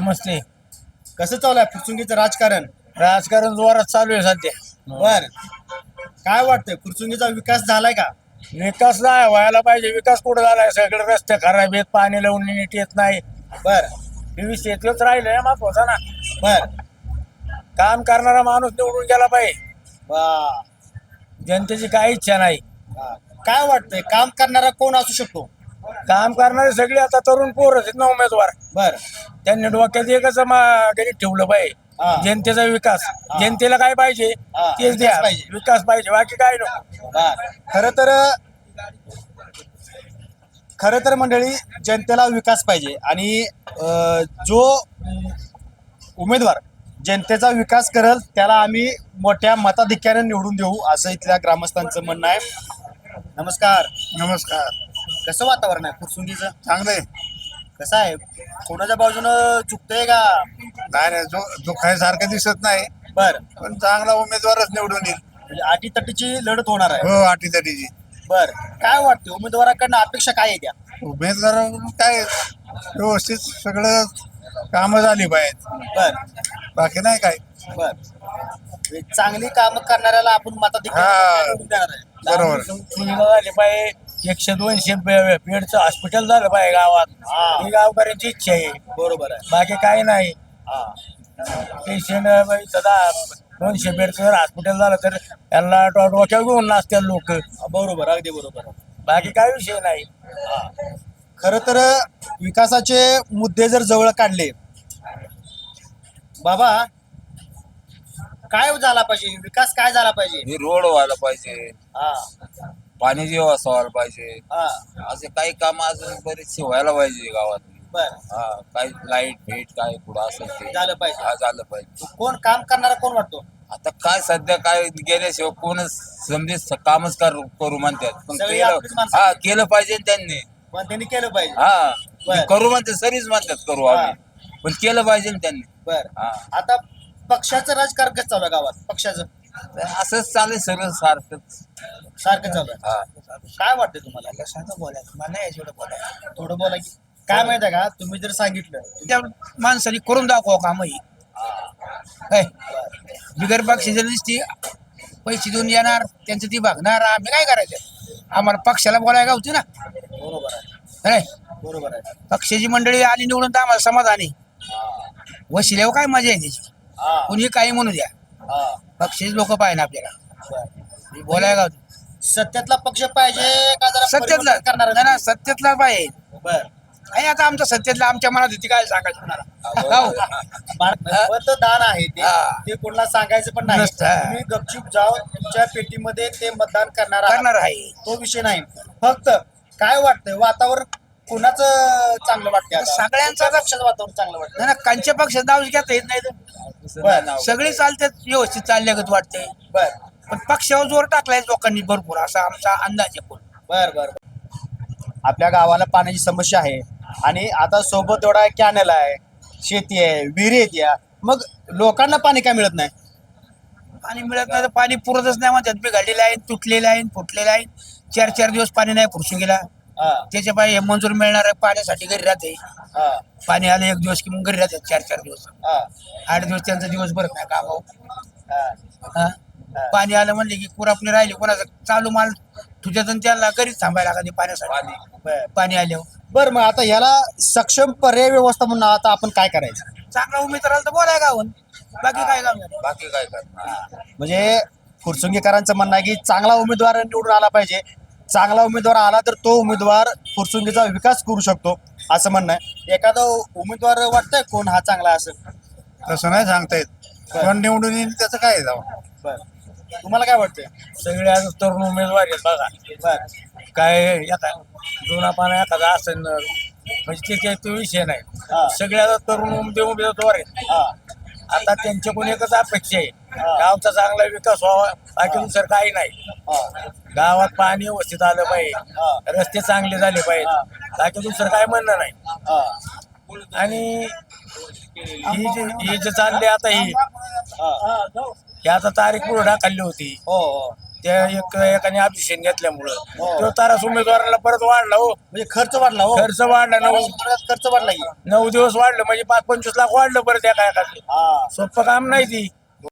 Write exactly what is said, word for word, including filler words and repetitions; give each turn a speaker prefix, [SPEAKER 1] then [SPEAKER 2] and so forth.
[SPEAKER 1] नमस्ते.
[SPEAKER 2] कसं चालू आहे फुरसुंगीचं राजकारण?
[SPEAKER 1] राजकारण जोरात चालू आहे सध्या.
[SPEAKER 2] बर, काय वाटतंय फुरसुंगीचा विकास झालाय का?
[SPEAKER 1] विकास नाही व्हायला पाहिजे. विकास कुठं झालाय? सगळे रस्ते खराब आहेत, पाणी लावून नीट येत नाही.
[SPEAKER 2] बर
[SPEAKER 1] हे शेतीच राहिलंय महत्वाचा ना.
[SPEAKER 2] बर
[SPEAKER 1] काम करणारा माणूस निवडून गेला पाहिजे.
[SPEAKER 2] वा.
[SPEAKER 1] जनतेची काही इच्छा नाही.
[SPEAKER 2] हा. काय वाटतंय काम करणारा कोण असू शकतो?
[SPEAKER 1] काम करणारे सगळे आता तरुण पोरच आहेत ना उमेदवार.
[SPEAKER 2] बर
[SPEAKER 1] त्यांनी डोक्यात एकच मा- गणित ठेवलं
[SPEAKER 2] हा.
[SPEAKER 1] पाहिजे, जनतेचा विकास.
[SPEAKER 2] हा.
[SPEAKER 1] जनतेला काय पाहिजे
[SPEAKER 2] हा,
[SPEAKER 1] तेच
[SPEAKER 2] विकास
[SPEAKER 1] द्या.
[SPEAKER 2] पाहिजे.
[SPEAKER 1] विकास पाहिजे, बाकी काय नको.
[SPEAKER 2] बर खर तर खर तर मंडळी जनतेला विकास पाहिजे आणि अ, जो उमेदवार जनतेचा विकास करेल त्याला आम्ही मोठ्या मताधिक्याने निवडून देऊ असं इथल्या ग्रामस्थांचं म्हणणं आहे. नमस्कार.
[SPEAKER 1] नमस्कार.
[SPEAKER 2] कसं वातावरण आहे फुरसुंगीचं?
[SPEAKER 1] चांगले.
[SPEAKER 2] कसं आहे, कोणाच्या बाजूनं चुकतंय का?
[SPEAKER 1] नाही नाही, जो जो सारखं दिसत नाही,
[SPEAKER 2] बर,
[SPEAKER 1] पण चांगला उमेदवारच निवडून येईल.
[SPEAKER 2] म्हणजे अटीतटीची लढत होणार आहे.
[SPEAKER 1] हो, अटीतटीची.
[SPEAKER 2] बर, काय वाटते उमेदवाराकडनं अपेक्षा काय आहे त्या?
[SPEAKER 1] उमेदवार काय व्यवस्थित सगळं कामं झाली पाहिजे,
[SPEAKER 2] बर
[SPEAKER 1] बाकी नाही काय.
[SPEAKER 2] बर, म्हणजे चांगली कामं करणाऱ्याला आपण मताधिक्य
[SPEAKER 1] हा.
[SPEAKER 2] निवडून देणार आहे.
[SPEAKER 1] बरोबर. सुविधा झाली पाहिजे, एकशे दोनशे बे- बेडचं हॉस्पिटल झालं पाहिजे गावात.
[SPEAKER 2] हा.
[SPEAKER 1] ही गावकऱ्यांची इच्छा आहे,
[SPEAKER 2] बरोबर आहे.
[SPEAKER 1] बाकी काही नाही.
[SPEAKER 2] हा.
[SPEAKER 1] पेशंट सदा दोनशे बेडचं जर हॉस्पिटल झालं तर त्यांना डो- डोक्यावर घेऊन नाचतात लोक.
[SPEAKER 2] बरोबर, अगदी बरोबर.
[SPEAKER 1] बाकी काही विषय नाही.
[SPEAKER 2] खर तर विकासाचे मुद्दे जर जवळ काढले, बाबा काय झाला पाहिजे, विकास काय झाला पाहिजे?
[SPEAKER 3] हे रोड व्हायला पाहिजे,
[SPEAKER 2] हा.
[SPEAKER 3] पाण्याची व्यवस्था व्हायला पाहिजे,
[SPEAKER 2] हा.
[SPEAKER 3] असे काही काम अजून बरेचसे व्हायला पाहिजे गावात.
[SPEAKER 2] बर,
[SPEAKER 3] हा, काही लाईट भेट काय पुढं असेल ते
[SPEAKER 2] झालं पाहिजे.
[SPEAKER 3] हा झालं पाहिजे.
[SPEAKER 2] कोण काम करणारा कोण वाटतो?
[SPEAKER 3] आता काय सध्या काय गेल्याशिवाय कोणच समजे स- कामच कर- करू म्हणतात, पण
[SPEAKER 2] सगळी
[SPEAKER 3] केलं
[SPEAKER 2] आपलीच माणसं.
[SPEAKER 3] हा केलं पाहिजे त्यांनी.
[SPEAKER 2] पण त्यांनी केलं पाहिजे.
[SPEAKER 3] हा
[SPEAKER 2] बरं.
[SPEAKER 3] ते करू म्हणतात, सरीच म्हणतात करू
[SPEAKER 2] हा.
[SPEAKER 3] आम्ही, पण केलं पाहिजे ना त्यांनी.
[SPEAKER 2] बर,
[SPEAKER 3] हा,
[SPEAKER 2] आता पक्षाचं राजकारण कसं चालू आहे गावात? पक्षाचं
[SPEAKER 3] तर असंच चालेल सगळं सारखंच.
[SPEAKER 2] सारखं चालू आहे.
[SPEAKER 3] हा,
[SPEAKER 2] काय वाटतं तुम्हाला?
[SPEAKER 1] बोलायचं मला नाही एवढं बोलायचं.
[SPEAKER 2] थोडं बोला की. काय माहिती आहे का, तुम्ही जर सांगितलं
[SPEAKER 1] त्या माणसाने करून दाखवा काम ही काय बिगर पक्षाच्या नुसती पैसे देऊन येणार, त्यांचं ती बघणार, आम्ही काय करायचं? आम्हाला पक्षाला बोलायला होती ना.
[SPEAKER 2] बरोबर आहे.
[SPEAKER 1] काय
[SPEAKER 2] बरोबर आहे.
[SPEAKER 1] पक्षाची मंडळी आली निवडून तर आम्हाला समाधानी. वशिल्यावर काय मजा आहे त्याची.
[SPEAKER 2] हा.
[SPEAKER 1] कुणी काही म्हणू द्या,
[SPEAKER 2] हा.
[SPEAKER 1] पक्षाचे लोक पाहिजे आपल्याला
[SPEAKER 2] बर.
[SPEAKER 1] बोलायला गावती.
[SPEAKER 2] सत्यातला पक्ष पाहिजे का जरा
[SPEAKER 1] सत्यातला
[SPEAKER 2] परिवर्तन करणारा?
[SPEAKER 1] नाही ना, सत्यातला पाहिजे.
[SPEAKER 2] बर.
[SPEAKER 1] आणि आता आमच्या सत्यातला आमच्या मनात होती काय सांगायचं कुणाला? हो.
[SPEAKER 2] मा- मतदान आहे ते
[SPEAKER 1] हा.
[SPEAKER 2] ते कोणाला सांगायचं पण नाही.
[SPEAKER 1] नसतं.
[SPEAKER 2] तुम्ही गपचूप जाऊन तुमच्या पेटीमध्ये ते मतदान करणार आहात.
[SPEAKER 1] करणार आहे.
[SPEAKER 2] तो विषय नाही. फक्त काय वाटतंय वातावरण कुणाचं चांगलं वाटतंय आता?
[SPEAKER 1] सगळ्यांचं
[SPEAKER 2] कुठल्या पक्षाचं वातावरण चांगलं वाटतं?
[SPEAKER 1] नाही ना, कांच्या पक्षात नाव घेता येत नाही तर.
[SPEAKER 3] दुसरं
[SPEAKER 2] बरं.
[SPEAKER 3] नाव.
[SPEAKER 1] सगळी चालतात व्यवस्थित चालल्यागत वाटते,
[SPEAKER 2] बर
[SPEAKER 1] पण पक्षावर जोर टाकलाय लोकांनी भरपूर, असा आमचा अंदाज आहे.
[SPEAKER 2] बर बर आपल्या गावाला पाण्याची समस्या आहे आणि आता सोबत एवढा कॅनल आहे, शेती आहे, विहिरी आहेत या, मग लोकांना पाणी काय मिळत नाही?
[SPEAKER 1] पाणी मिळत नाही तर पाणी पुरतच नाही म्हणतात. बिघडलेलं आहे, तुटलेलं आहे, फुटलेलं आहे. चार चार दिवस पाणी नाही पुरसून गेला.
[SPEAKER 2] हा.
[SPEAKER 1] त्याच्या पाहिजे मंजूर मिळणार आहे पाण्यासाठी घरी राहते.
[SPEAKER 2] हा.
[SPEAKER 1] पाणी आलं एक दिवस की मग घरी राहतात चार चार दिवस.
[SPEAKER 2] हा.
[SPEAKER 1] आठ दिवस त्यांचा दिवस भरत नाही कामावर.
[SPEAKER 2] हा.
[SPEAKER 1] हा? पाणी आलं म्हणले की कुरा आपली राहिली, कोणाचं चालू माल तुझ्यात त्याला घरीच थांबायला लागते पाण्यासाठी.
[SPEAKER 2] बर
[SPEAKER 1] पाणी आल्यावर
[SPEAKER 2] बर मग आता याला सक्षम पर्याय व्यवस्था म्हणून आता आपण काय करायचं?
[SPEAKER 1] चांगला उमेदवार तर बोलाय गावून, बाकी काय गाव नाही.
[SPEAKER 3] बाकी काय करणार.
[SPEAKER 2] म्हणजे फुरसुंगीकरांचं म्हणणं आहे की चांगला उमेदवार निवडून आला पाहिजे. चांगला उमेदवार आला तर तो उमेदवार फुरसुंगीचा विकास करू शकतो असं म्हणणं आहे. एखादा उमेदवार वाटतंय कोण हा चांगला असेल?
[SPEAKER 1] तसं नाही सांगता येत, कोण निवडून येईल त्याचं काय जाऊ.
[SPEAKER 2] बर तुम्हाला काय वाटतंय?
[SPEAKER 1] सगळे आज तरुण उमेदवार आहेत बघा.
[SPEAKER 2] बर
[SPEAKER 1] काय एका जुना पाना एखादा असेल न, म्हणजे ते काही तो विषय
[SPEAKER 2] हा.
[SPEAKER 1] नाही. सगळे आता तरुण उमदे उमेदवार आहेत.
[SPEAKER 2] हा.
[SPEAKER 1] आता त्यांच्याकडून एकच अपेक्षा आहे,
[SPEAKER 2] हा.
[SPEAKER 1] गावचा चांगला विकास व्हावा, बाकी दुसरं काही नाही.
[SPEAKER 2] हा.
[SPEAKER 1] गावात पाणी व्यवस्थित आलं
[SPEAKER 2] हा.
[SPEAKER 1] पाहिजे, रस्ते चांगले झाले पाहिजे, बाकी दुसरं काय म्हणणं नाही.
[SPEAKER 2] हा.
[SPEAKER 1] आणि ही जे ही जे चालली आता ही
[SPEAKER 2] हा.
[SPEAKER 1] ही आता तारीख पुढे ढाकली होती,
[SPEAKER 2] हो हो
[SPEAKER 4] त्या एक एकाने ऑब्जेक्शन घेतल्यामुळं
[SPEAKER 2] हो.
[SPEAKER 4] तो तारास उमेदवाराला परत वाढला हो.
[SPEAKER 2] म्हणजे खर्च वाढला हो
[SPEAKER 4] खर्च वाढला नऊ
[SPEAKER 2] खर्च वाढला की
[SPEAKER 4] नऊ दिवस वाढलं म्हणजे पाच पंचवीस लाख वाढलं परत एका एकाचे
[SPEAKER 2] हा
[SPEAKER 4] सोपं काम नाही ती